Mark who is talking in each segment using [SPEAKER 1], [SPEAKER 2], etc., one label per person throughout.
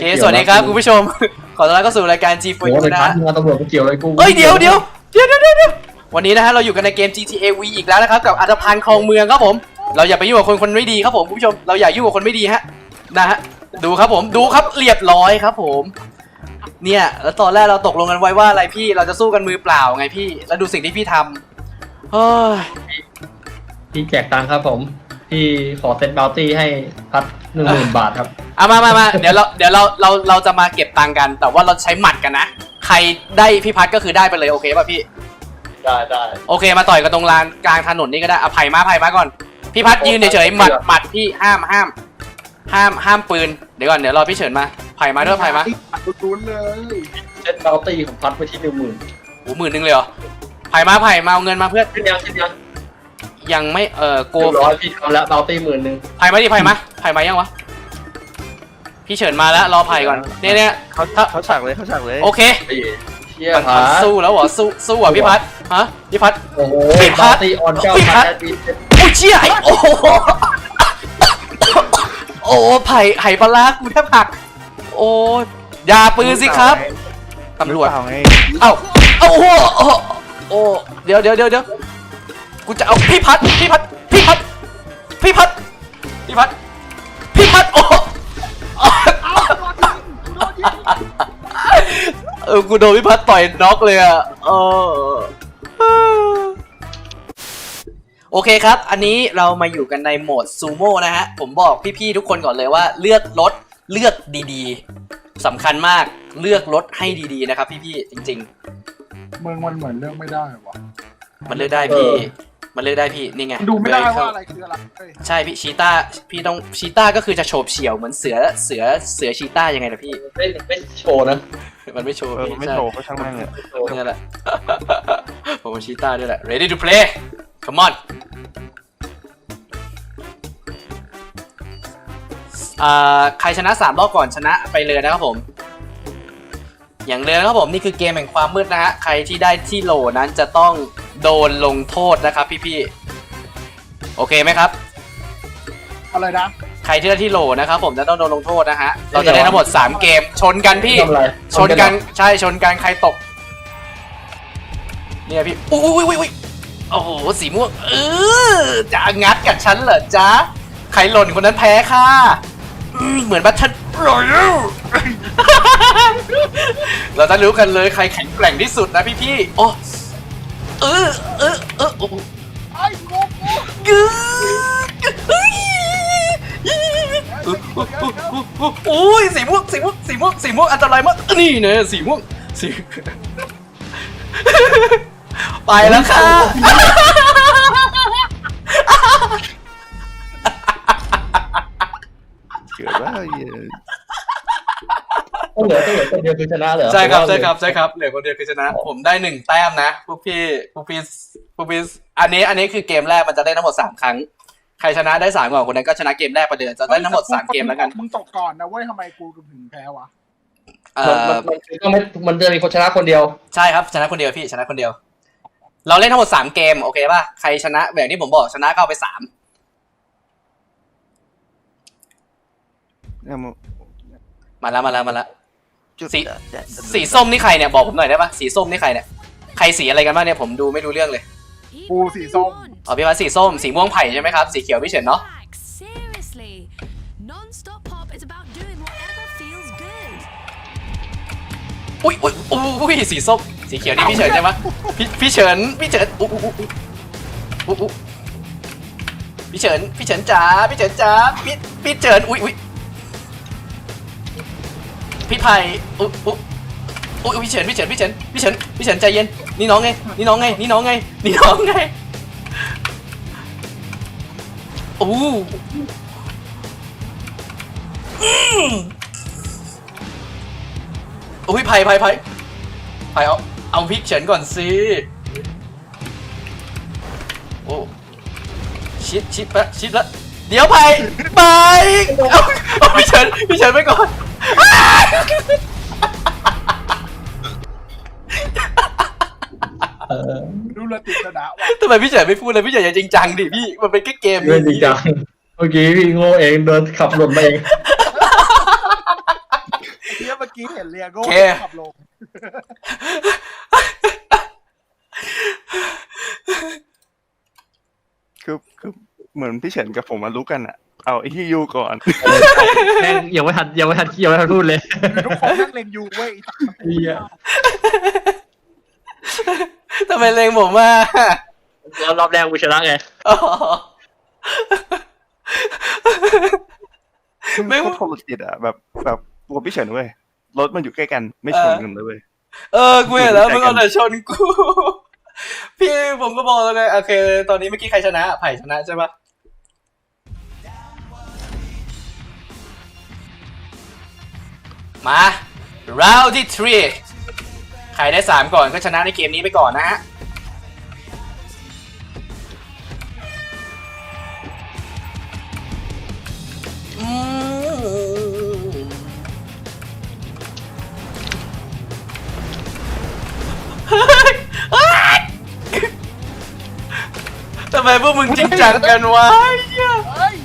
[SPEAKER 1] เคสวัสดีครับคุณผู้ชมขอต้อนรับเข้าสู่รายการ G4U นะฮะ
[SPEAKER 2] ตำรวจเกี่ยวอะไรกู
[SPEAKER 1] เฮ้ยเดี๋ยววันนี้นะฮะเราอยู่กันในเกม GTA V อีกแล้วนะครับกับอัตภัณฑ์คลองเมืองครับผมเราอย่าไปยุ่งกับคนไม่ดีครับผมคุณผู้ชมเราอย่ายุ่งกับคนไม่ดีฮะนะฮะดูครับผมดูครับเรียบร้อยครับผมเนี่ยแล้วตอนแรกเราตกลงกันไว้ว่าอะไรพี่เราจะสู้กันมือเปล่าไงพี่แล้วดูสิ่งที่พี่ทำเฮ้ย
[SPEAKER 2] พี่แจกตังค์ครับผมพี่ขอเซ็ตบาวตี้ให้พัด10,000 บาทครับ
[SPEAKER 1] เอามาเดี๋ยวเราจะมาเก็บตังค์กันแต่ว่าเราใช้หมัดกันนะใครได้พี่พัดก็คือได้ไปเลยโอเคป่ะพี่
[SPEAKER 2] ได้
[SPEAKER 1] โอเคมาต่อยกันตรงลานกลางถนนนี่ก็ได้เอาไผ่มาก่อนพี่พัดยืนเฉยๆหมัดพี่ห้ามปืนเดี๋ยวก่อนเดี๋ยวรอพี่เฉินมาไผ่มาด้วยไผ่มา
[SPEAKER 3] ตุ้นเลย
[SPEAKER 2] เซ็ตบาวตี้ของพัดไปที่10,000
[SPEAKER 1] โอ้10,000เลยเหรอไผ่มาเอาเงินมาเพื่อนยังไม่โก
[SPEAKER 2] ร้อยพี่ทำแล้วบาวตี้10,000
[SPEAKER 1] ไผ่มาดิไผ่มายังวะพี่เฉินมาแล้วรอไผ่ก่อนเนี่ย
[SPEAKER 3] เขาฉากเลย
[SPEAKER 1] โอเคมันสู้แล้วเหรอสู้อ่ะพี่พัดฮะพี่พัด
[SPEAKER 2] โอ้โหบาวตี้ออนเจ้าพัด
[SPEAKER 1] โอ้เชี่ยโอ้โอ้ไผ่ปลากูแทบหักโอ้อย่าปืนสิครับตำรวจเอ้าโอ้เดี๋ยวกูจะเอาพี่พัดโอ้กูโดนพี่พัดต่อยน็อกเลยอ่ะโอเคครับอันนี้เรามาอยู่กันในโหมดซูโม่นะฮะผมบอกพี่ๆทุกคนก่อนเลยว่าเลือกรถเลือกดีๆสำคัญมากเลือกรถให้ดีๆนะครับพี่ๆจริง
[SPEAKER 3] ๆเมืองมันเหมือนเลือกไม่ได้วะ
[SPEAKER 1] มันเลือกได้พี่นี่ไง
[SPEAKER 3] ดูไม่ได้ว่าอะไรคืออะไร
[SPEAKER 1] ใช่พี่ชีต้าพี่ต้องชีต้าก็คือจะโฉบเฉี่ยวเหมือนเสือชีต้ายังไงนะพี่
[SPEAKER 2] ไม่โชว์นะ
[SPEAKER 1] มันไม่โชว์
[SPEAKER 3] ไม่โชว์ก็ช่างแม่งเลย
[SPEAKER 1] นี่แหละผมชีต้าด้วยแหละ ready to play come on ใครชนะ3รอบก่อนชนะไปเลยนะครับผมอย่างเลยนะครับผมนี่คือเกมแห่งความมืดนะฮะใครที่ได้ที่โหลนั้นจะต้องโดนลงโทษนะครับพี่ๆโอเคไหมครับ
[SPEAKER 3] อะไรนะ
[SPEAKER 1] ใครที่ได้ที่โหลนะครับผมจะต้องโดนลงโทษนะฮะเราจะได้ทั้งหมด3เกมชนกันพี่ชนกันใช่ชนกันใครตกเนี่ยพี่อุ้ยโอ้โหสีม่วงจะงัดกับฉันเหรอจ๊ะใครหล่นคนนั้นแพ้ค่ะเหมือนบัตชันรอยัลเราจะรู้กันเลยใครแข็งแกร่งที่สุดนะพี่ๆโอ้
[SPEAKER 3] ไอ้กู
[SPEAKER 1] โอ้ยสีม่วงอันตรายมากนี่เนี่ยสีม่วงไปแล้วค่ะ
[SPEAKER 3] เกิดว่า
[SPEAKER 2] ต้องเหลือคนเดียวคือชนะเหรอ
[SPEAKER 1] ใช่ครับเหลือคนเดียวคือชนะผมได้1แต้มนะพวกพี่อันนี้คือเกมแรกมันจะได้ทั้งหมด3ครั้งใครชนะได้3ก่อนคนนั้นก็ชนะเกมแรกประเดิมจะได้ทั้งหมด3เกมแล้วกัน
[SPEAKER 3] มึงตกก่อนนะเว้ยทำไมกูถึงแพ้วะ
[SPEAKER 2] มันจะมีคนชนะคนเดียว
[SPEAKER 1] ใช่ครับชนะคนเดียวพี่ชนะคนเดียวเราเล่นทั้งหมด3เกมโอเคป่ะใครชนะแบบที่ผมบอกชนะก็เอาไป3มาแล้วสีส้มนี่ใครเนี่ยบอกผมหน่อยได้ป่ะสีส้มนี่ใครเนี่ยใครสีอะไรกันบ้างเนี่ยผมดูไม่รู้เรื่องเลย
[SPEAKER 3] ปูสีส้ม
[SPEAKER 1] พี่ว่าสีส้มสีม่วงไผ่ใช่ไหมครับสีเขียวพี่เฉินเนาะอุ้ยสีส้มสีเขียวนี่พี่เฉินใช่ไหมพี่เฉินพี่เฉินจ๋าพี่เฉินอุ้ยพี่ไผ่พี่เฉินใจเย็นนี่น้องไงโอ้อุ้ยไผ่เอาพี่เฉินก่อนสิโอ้ชิดละเดี๋ยวไผ่ไปเอาพี่เฉินไปก่อน
[SPEAKER 3] รู้ละติดชนะว่ะ
[SPEAKER 1] ทำไมพี่เฉินไม่พูดเลยพี่เฉินอย่าจริงจังดิพี่มันเป็นแค่เกม
[SPEAKER 2] จริงจังเมื่อกี้พี่โง่เองเดินขับรถมาเอง
[SPEAKER 3] นเรียโก้
[SPEAKER 1] โอเค
[SPEAKER 3] ขับลง
[SPEAKER 4] คือเหมือนพี่เฉินกับผมมารู้กันอะเอาไอ้ที่ยูก่อน
[SPEAKER 2] แม่งยังไม่ทันพูดเลย
[SPEAKER 3] ทุกคนนั่งเล็งยูเว้ยไอ้สัตว์
[SPEAKER 2] เหี้ย
[SPEAKER 1] ทำไมเลงผมอ่ะ
[SPEAKER 2] รอบแรกกูชนะไง
[SPEAKER 1] อ๋อ
[SPEAKER 4] คือ
[SPEAKER 1] ไม่
[SPEAKER 4] โคตรโทรจิตอะแบบตัวพี่เฉินเว้ยรถมันอยู่ใกล้กันไม่ชนกันเลยเว้ย
[SPEAKER 1] กูเห็นแล้วมึงเอาแต่ชนกู พี่ผมก็บอกแล้วไงโอเค ตอนนี้เมื่อกี้ใครชนะไผ่ชนะใช่ปะมา round ที่ 3 ใครได้ 3 ก่อนก็ชนะในเกมนี้ไปก่อนนะฮะ ทำไมพวกมึงจริงจังกันวะ
[SPEAKER 3] เฮ้ย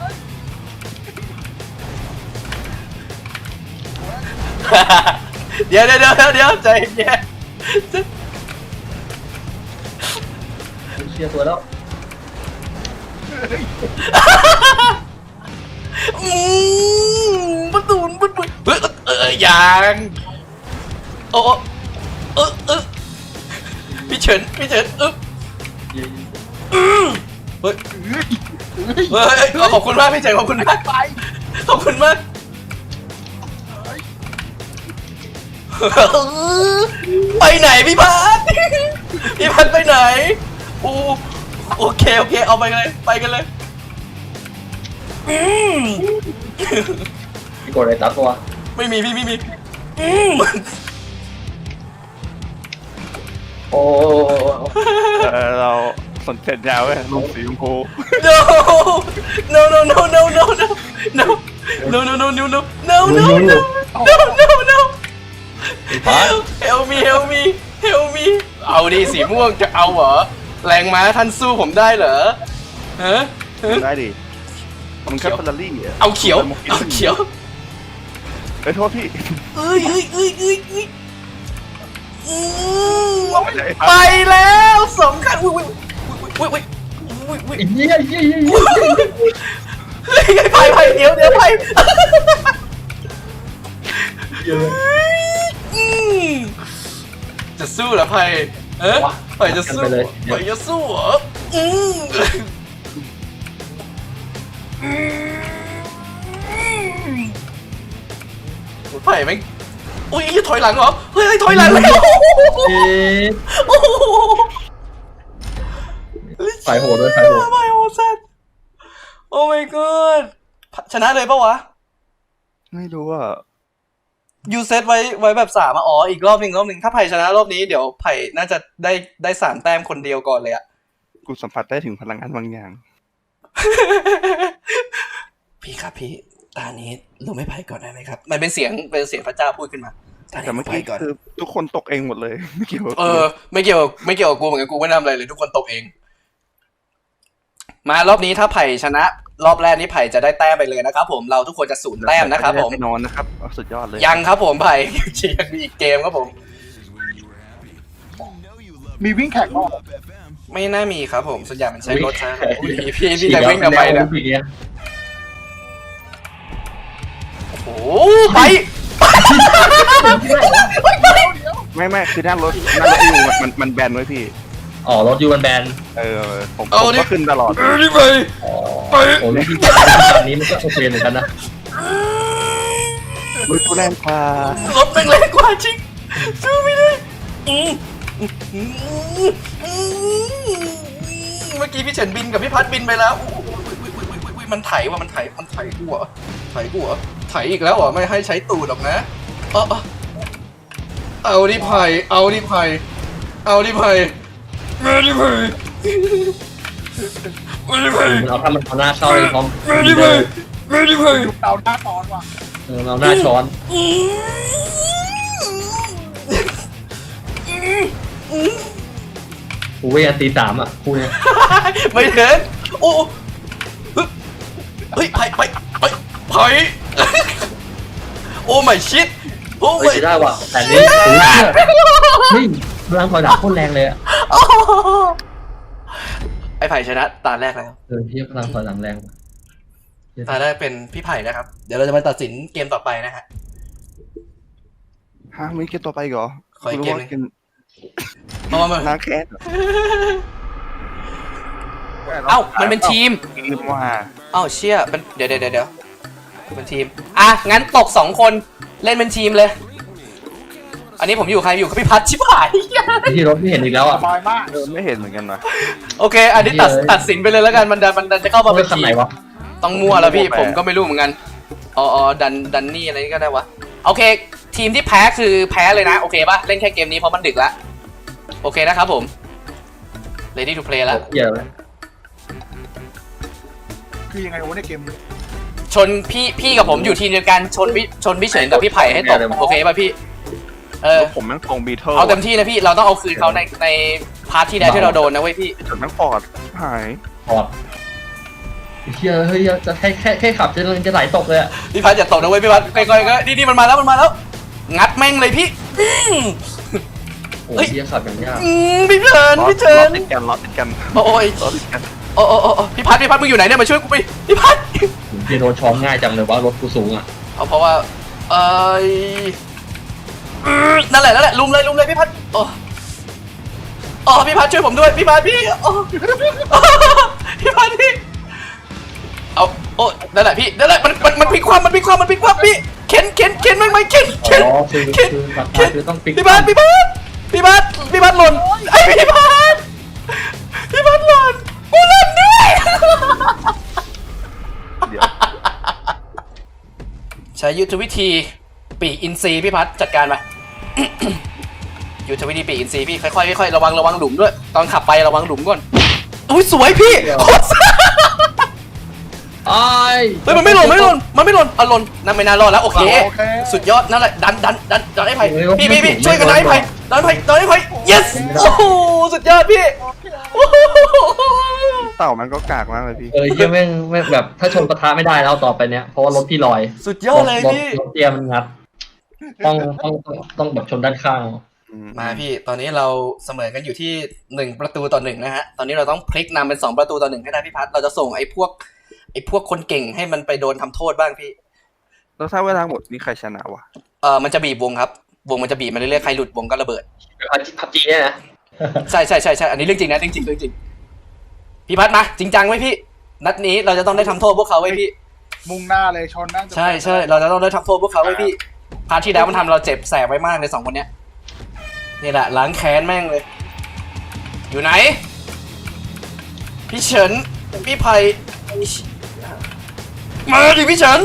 [SPEAKER 1] เดี๋ยวใจเย็น
[SPEAKER 2] เชียร์ตัวแล้ว
[SPEAKER 1] ประตูนยังโอ้พี่เฉินเฮ้ยขอบคุณมากพี่เฉินขอบคุณมาก
[SPEAKER 3] ไป
[SPEAKER 1] ขอบคุณมากไปไหนพี่พัดพี่พัดไปไหนโอเคเอาไปเลยไปกันเลย
[SPEAKER 2] พี่กดอะไรตัดตัว
[SPEAKER 1] ไม่มีพี่ไม่มี
[SPEAKER 2] โอ้
[SPEAKER 4] เราสนใจยาวเว้ยลงสีชมพู
[SPEAKER 1] no no no no no no no no no no no no no no no no no no help me help me help me เอาดิสีม่วงจะเอาเหรอแรงม้าท่านสู้ผมได้เหรอฮะ
[SPEAKER 4] ได้ดิมันแค่เฟอร์รารี่อะ
[SPEAKER 1] เอาเขียว
[SPEAKER 4] ไปโทษพี่
[SPEAKER 1] เอ้ยไปแล้วสองคันอุ้ย
[SPEAKER 2] เหี้ย
[SPEAKER 1] ไปเดี๋ยวไปจะสู้เหรอไผ่ไผ่จะสู้เหรอไผ่แม่งอุ้ยถอยหลังเหรอเฮ้ยถอยหลังแล้วโอ้โห
[SPEAKER 2] ไฟโหดด้วยไฟโหด
[SPEAKER 1] ไฟโหดสัสโอ้ my god ชนะเลยปะวะ
[SPEAKER 4] ไม่รู้อ่ะ
[SPEAKER 1] ยูเซตไว้แบบ3อ๋ออีกรอบหนึ่งถ้าไผ่ชนะรอบนี้เดี๋ยวไผ่น่าจะได้3 แต้มคนเดียวก่อนเลยอะ
[SPEAKER 4] กูสัมผัสได้ถึงพลังงานบางอย่าง
[SPEAKER 1] พี่ครับพี่ตานี้เราไม่ไผ่ก่อนได้ไหมครับมันเป็นเสียงพระเจ้าพูดขึ้นมา
[SPEAKER 4] แต่เมื่อกี้
[SPEAKER 1] ก่อน
[SPEAKER 4] คือทุกคนตกเองหมดเลยไม่เกี่ยวกับ
[SPEAKER 1] ไม่เกี่ยวกับกูเหมือนกันกูไม่ทำอะไรเลยทุกคนตกเอง มารอบนี้ถ้าไผ่ชนะรอบแรกนี้ไผ่จะได้แต้มไปเลยนะครับผมเราทุกคนจะ0 แต้มนะครับผม
[SPEAKER 4] แน่นอนนะครับสุดยอดเลย
[SPEAKER 1] ยังครับผมไผ่ ยังมีอีกเกมครับผม
[SPEAKER 3] มีวิ่งแข่งบ้าง
[SPEAKER 1] ไม่น่ามีครับผมส่วนใหญ่มันใช้รถใช่ไหมพี่จะวิ่งทำไมเนี่ยโอ้โหไป
[SPEAKER 4] ไม่คือหน้ารถอยู่มันแบนไว้พี่
[SPEAKER 2] อ๋อรถยูมันแบน
[SPEAKER 4] ผมก็ขึ้นตลอด
[SPEAKER 1] นี่ไป
[SPEAKER 2] โอ้โหที่ตอนนี้มันก็โอเคเหมือนกันนะ
[SPEAKER 4] รถกูแรงกว่าร
[SPEAKER 1] ถแม่งแรงกว่าจริงสู้ไม่ได้เมื่อกี้พี่เฉินบินกับพี่พัดบินไปแล้วมันไถว่ะมันไถกูเหรอไถอีกแล้วเหรอไม่ให้ใช้ตูดหรอกนะเอาดิไผ่มาดิไผ่
[SPEAKER 2] เราถ้ามันเอาหน้าเข้าเลยพร้อม
[SPEAKER 3] เอาหน้าตอนว่ะ
[SPEAKER 2] เราหน้าช้อนกูเวที3อ่ะกูเนี่ย
[SPEAKER 1] ไม่เห็นโอ้เฮ้ยไผ่โอ้ไม่ชิดโอ้
[SPEAKER 2] เฮ้ย
[SPEAKER 1] ย
[SPEAKER 2] ได้ว่ะแต่นี้โอ้ยเฮ้ยพลังถอยหลังโคตรแรงเลยอ่ะ
[SPEAKER 1] ไอ้ไผ่ชนะตาแรกแล้ว
[SPEAKER 2] พี่พลังถอยหลังแรง
[SPEAKER 1] ตาแรกเป็นพี่ไผ่นะครับเดี๋ยวเราจะมาตัดสินเกมต่อไปนะฮะ
[SPEAKER 4] ฮะมีเกมต่อไปอีกเหรอ
[SPEAKER 1] ขออีกเกมหนึ่ง
[SPEAKER 4] รู้ว่า
[SPEAKER 1] เพราะว่ามัน
[SPEAKER 4] ล้างแค้นเหรอ
[SPEAKER 1] เอ้ามันเป็นทีม
[SPEAKER 4] ลืมว่า
[SPEAKER 1] เอ้าเชี่ยเป็นเดี๋ยวเป็นทีมอ่ะงั้นตก2คนเล่นเป็นทีมเลย อันนี้ผมอยู่ใครอยู่กับพี่พัชชิบหาย
[SPEAKER 2] ที่รถที่เห็นอีกแล้ว
[SPEAKER 3] ส
[SPEAKER 2] อ่ะ
[SPEAKER 3] บายมาก
[SPEAKER 4] ไม่เห็นเหมือนกันนะ
[SPEAKER 1] โอเค อันนี้ตัดสินไปเลยแล้วกันมันดันจะเข้ามาเป็น
[SPEAKER 2] คัน
[SPEAKER 1] ที
[SPEAKER 2] ไหน
[SPEAKER 1] ม
[SPEAKER 2] วะ
[SPEAKER 1] ต้องมั่วแล้วพี่ผมก็ไม่รู้เหมือนกันอ๋อดันนี่อะไรนี่ก็ได้วะโอเค ทีมที่แพ้คือแพ้เลยนะโอเคป่ะเล่นแค่เกมนี้เพราะมันดึกละโอเคนะครับผม ready to play แล้ว
[SPEAKER 2] เหี้ยเลย
[SPEAKER 3] คือยังไงวะในเกม
[SPEAKER 1] ชนพี่กับผมอยู่ทีมเดียวกันชนพี่เฉินกับพี่ไผ่ให้ตกโอเคป่ะพี่
[SPEAKER 4] แล้วผมแม่งตรงบีเทิล
[SPEAKER 1] เอาเต็มที่นะพี่เราต้องเอาคืนเขาในพาร์ทที่แล้วที่เราโดนนะเว้ยพี่
[SPEAKER 4] จนแม่งฟอร์ดหาย
[SPEAKER 2] พอดเฮียเฮ้ยจะแค่ขับจะไหลตกเลยอ่ะ
[SPEAKER 1] พี่พัดอย่าตกนะเว้ยพี่พัดค่อยๆก็นี่มันมาแล้วงัดแม่งเลยพี่
[SPEAKER 2] โอ้ยเฮียขับอย่างยาก
[SPEAKER 1] พี่เฉิน
[SPEAKER 4] ล้อติดกันล้อติดกัน
[SPEAKER 1] โอ้ย
[SPEAKER 4] ล้อติดกัน
[SPEAKER 1] โอ้พี่พัดมึงอยู่ไหนเนี่ยมาช่วยกูไปพี่พัด
[SPEAKER 2] เฮียโดนช้อมง่ายจังเลยว่ารถกูสูงอ่ะ
[SPEAKER 1] เอาเพราะว่านั่นแหละลุมเลยพี่พัดโอ้พี่พัดช่วยผมด้วยพี่พัดพี่พี่พัดพี่เอาโอ้นั่นแหละพี่นั่นแหละมันพลิกคว่ำพี่เข็นแม่งไหมเข็น
[SPEAKER 2] อ๋อคือต้องปิด
[SPEAKER 1] พี่พัดหล่นไอพี่พัดหล่นกูหล่นด้วย
[SPEAKER 4] เดี๋ยว
[SPEAKER 1] ใช้ยุทธวิธีปีกอินทรีพี่พัดจัดการมา ยุทธวิธีปีกอินทรีพี่ค่อยๆระวังหลุมด้วยตอนขับไประวังหลุมก่อนอุ้ยสวยพี่โคตร
[SPEAKER 2] ไอ้
[SPEAKER 1] เฮ้ยมันไม่หล่นอ่ะหล่นนั่นไม่น่ารอดแล้วโอเคสุดยอดนั่นแหละดันไอ้ไผ่พี่ช่วยกันดันไอ้ไผ่ดันไอ้ไผ่ yes โอ้โหสุดยอดพี่
[SPEAKER 4] เต่ามันก็กากมากเลยพี่
[SPEAKER 2] เฮียแม่งแบบถ้าชนปะทะไม่ได้แล้วต่อไปเนี้ยเพราะว่ารถพี่ลอย
[SPEAKER 1] สุดยอดเลยพี่
[SPEAKER 2] รถเตียมันงัดต้องแบบชนด้านข้าง
[SPEAKER 1] มาพี่ตอนนี้เราเสมอกันอยู่ที่1ประตูต่อ1นะฮะตอนนี้เราต้องพลิกนำเป็น2ประตูต่อ1ให้ได้พี่พัดเราจะส่งไอ้พวกคนเก่งให้มันไปโดนทำโทษบ้างพี่
[SPEAKER 4] แล้วถ้าเวลาหมดนี่ใครชนะวะ
[SPEAKER 1] มันจะบีบวงครับวงมันจะบีบมาเรื่อยๆใครหลุดวงก็ระเบิด
[SPEAKER 2] พับจีเนี่ยนะ
[SPEAKER 1] ใช่อันนี้เรื่องจริงนะเรื่องจริงพี่พัดมาจริงจังไว้พี่นัดนี้เราจะต้องได้ทำโทษพวกเขาไว้พี่
[SPEAKER 3] มุ่งหน้าเลยชนนั่ง
[SPEAKER 1] ใช่เราจะต้องได้ทำโทษพวกเขาไว้พี่พาร์ทที่แล้วมันทำเราเจ็บแสบไว้มากเลย2คนเนี้ยนี่แหละล้างแค้นแม่งเลย อยู่ไหนพี่เฉินพี่ไผ่มาดิพี่เฉิน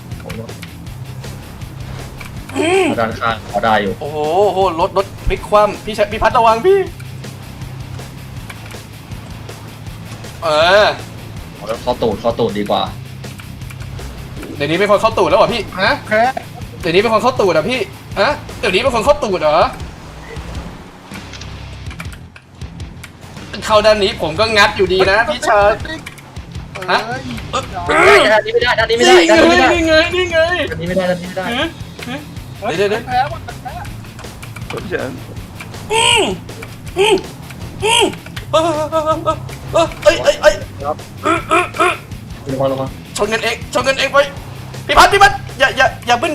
[SPEAKER 2] ด้านข้างพอได้อยู่
[SPEAKER 1] โอ้โหรถพลิกคว่ำพี่พัดระวังพี่
[SPEAKER 2] แล้วเข้าตูดดีกว่า
[SPEAKER 1] เดี๋ยวนี้เป็นคนเข้าตูดแล้วเหรอพี่ฮะ
[SPEAKER 3] แค่
[SPEAKER 1] เดี๋ยวนี้เป็นคนเข้าตูดเหรอพี่ฮะเดี๋ยวนี้เป็นคนเข้าตูดเหรอเข้าด้านนี้ผมก็งัดอยู่ดีนะพี่ชายฮะ
[SPEAKER 2] ด้านนี้ไม่ได้
[SPEAKER 1] นี่ไง
[SPEAKER 2] ด้านนี้ไม่ได้
[SPEAKER 1] เดี๋ยว
[SPEAKER 3] แพ้ว่ะแพ้
[SPEAKER 4] พี่เฉิน
[SPEAKER 1] เอ้ย
[SPEAKER 2] ลงมา
[SPEAKER 1] ชนกันเองไปพี่พัดอย่าบึ้น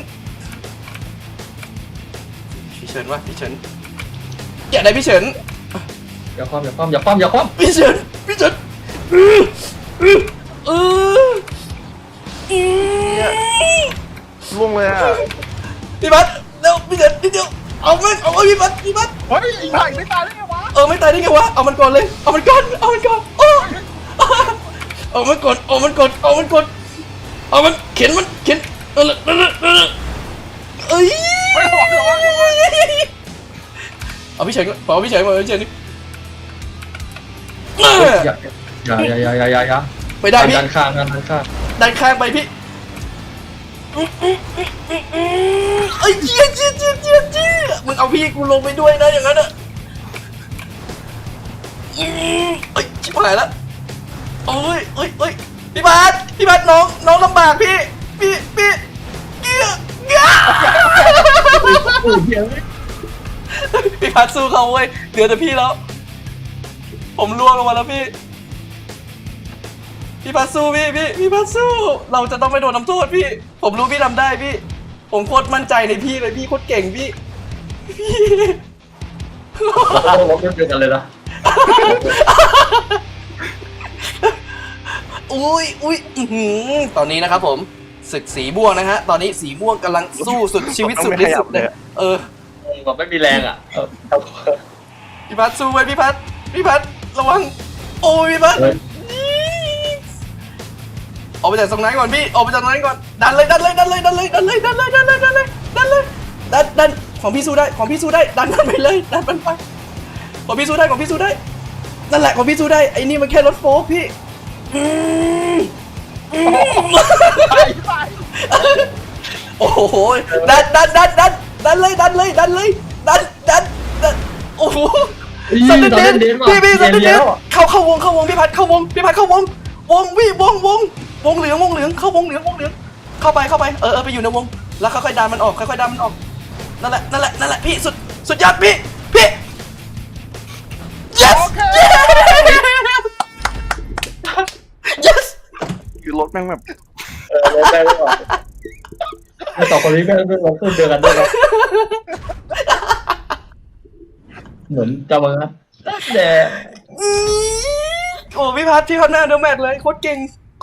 [SPEAKER 1] พี่เฉินอย่าได้พี่เฉิน
[SPEAKER 2] อย่าคว่ำ
[SPEAKER 1] พี่เฉิน
[SPEAKER 4] ล่วงเลยอ่ะ
[SPEAKER 1] พี่พัดเร็วพี่เฉินนิดเดียวเอาพี่พัด
[SPEAKER 3] เฮ้ยอีไผ่ไม่ตายได้ไงวะ
[SPEAKER 1] ไม่ตายได้ไงวะเอามันก่อนเลยเอามันก่อนเอามันก่อนเอามันเข็นเอ้ย
[SPEAKER 3] ไม่หวังหรอก
[SPEAKER 1] เอาพี่เฉินนี่
[SPEAKER 2] อย่า
[SPEAKER 1] ไปได้พี่
[SPEAKER 2] ด้านข้าง
[SPEAKER 1] ดันข้างไปพี่เอ้ยเจี๊ยมึงเอาพี่กูลงไปด้วยนะอย่างนั้นอ่ะเอ้ยชิบหายแล้วโอ้ยพี่บาสน้องลำบากพี่
[SPEAKER 2] โอ้ยเหี้ย
[SPEAKER 1] พี่พัดสู้เขาเว้ยเหลือแต่พี่แล้ว ผมล่วงลงมาแล้วพี่ พี่พัดสู้พี่พัดสู้ เราจะต้องไปโดนน้ำโทษพี่ ผมรู้พี่ทำได้พี่ ผมโคตรมั่นใจในพี่เลยพี่โคตรเก่งพี่
[SPEAKER 2] เราต้องลบเดียวกันเลยนะ
[SPEAKER 1] อุ้ยอื้อหือตอนนี้นะครับผมศึกสีม่วงนะฮะ ตอนนี้สีม่วงกำลังสู้สุดชีวิตสุดที่สุดเลยเออ
[SPEAKER 2] แบบไม่มีแรงอ่ะ
[SPEAKER 1] พี่พัดสู้ไว้พี่พัดระวัง โอ้ยพี่พัด
[SPEAKER 2] เฮ้ย
[SPEAKER 1] ออกไปจากตรงนั้นก่อนพี่ออกไปจากตรงนั้นก่อนดันเลยของพี่สู้ได้ดันมันไปเลยดันมันไปของพี่สู้ได้นั่นแหละของพี่สู้ได้ไอ้นี่มันแค่รถโฟล์คพี่โอ้โหดันเลยโอ้โหสันเดนพี่สันเดนเข้าวงพี่พัดเข้าวงวงเหลืองเข้าวงเหลืองเข้าไปไปอยู่ในวงแล้วค่อยๆดันมันออกนั่นแหละพี่สุดยอดพี่ yes yes
[SPEAKER 4] คือรถแม่งแบบ
[SPEAKER 2] ลบได้หรือเปล่าไอ้สองคนนี้แม่งลงขึ้นเดียวกันด้วยนะเหมือนจะมาแต่
[SPEAKER 1] โอ้พี่พัดหน้าเดอะแมทเลยโคตรเก่ง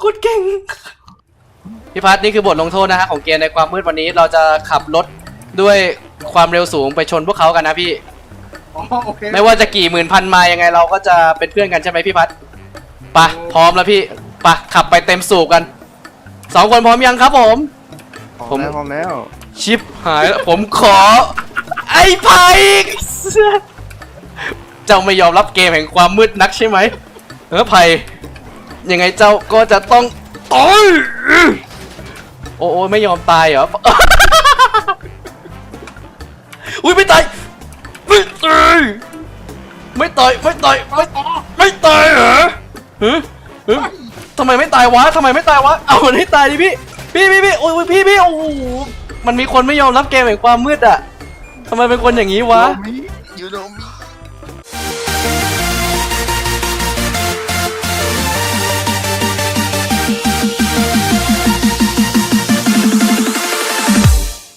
[SPEAKER 1] พี่พัดนี่คือบทลงโทษนะฮะของเกมในความมืดวันนี้เราจะขับรถด้วยความเร็วสูงไปชนพวกเขากันนะพี่
[SPEAKER 3] อ๋อโอเค
[SPEAKER 1] ไม่ว่าจะกี่หมื่นพันไมล์ยังไงเราก็จะเป็นเพื่อนกันใช่ไหมพี่พัดไปพร้อมแล้วพี่ไปขับไปเต็มสูบกัน2 คนพร้อมยังครับผม
[SPEAKER 4] พร้อมแล้ว
[SPEAKER 1] ชิปหายแล้วผมขอไอ้ไผ่เจ้าไม่ยอมรับเกมแห่งความมืดนักใช่ไหมไผ่ยังไงเจ้าก็จะต้องตายโอ้ไม่ยอมตายเหรอ อุ้ยไม่ตายไม่ตายเหรอทำไมไม่ตายวะเอามันให้ตายดิพี่โอ้ยพี่โอ้โหมันมีคนไม่ยอมรับเกมแห่งความมืดอ่ะทำไมเป็นคนอย่างนี้วะ
[SPEAKER 3] ยูโนมิ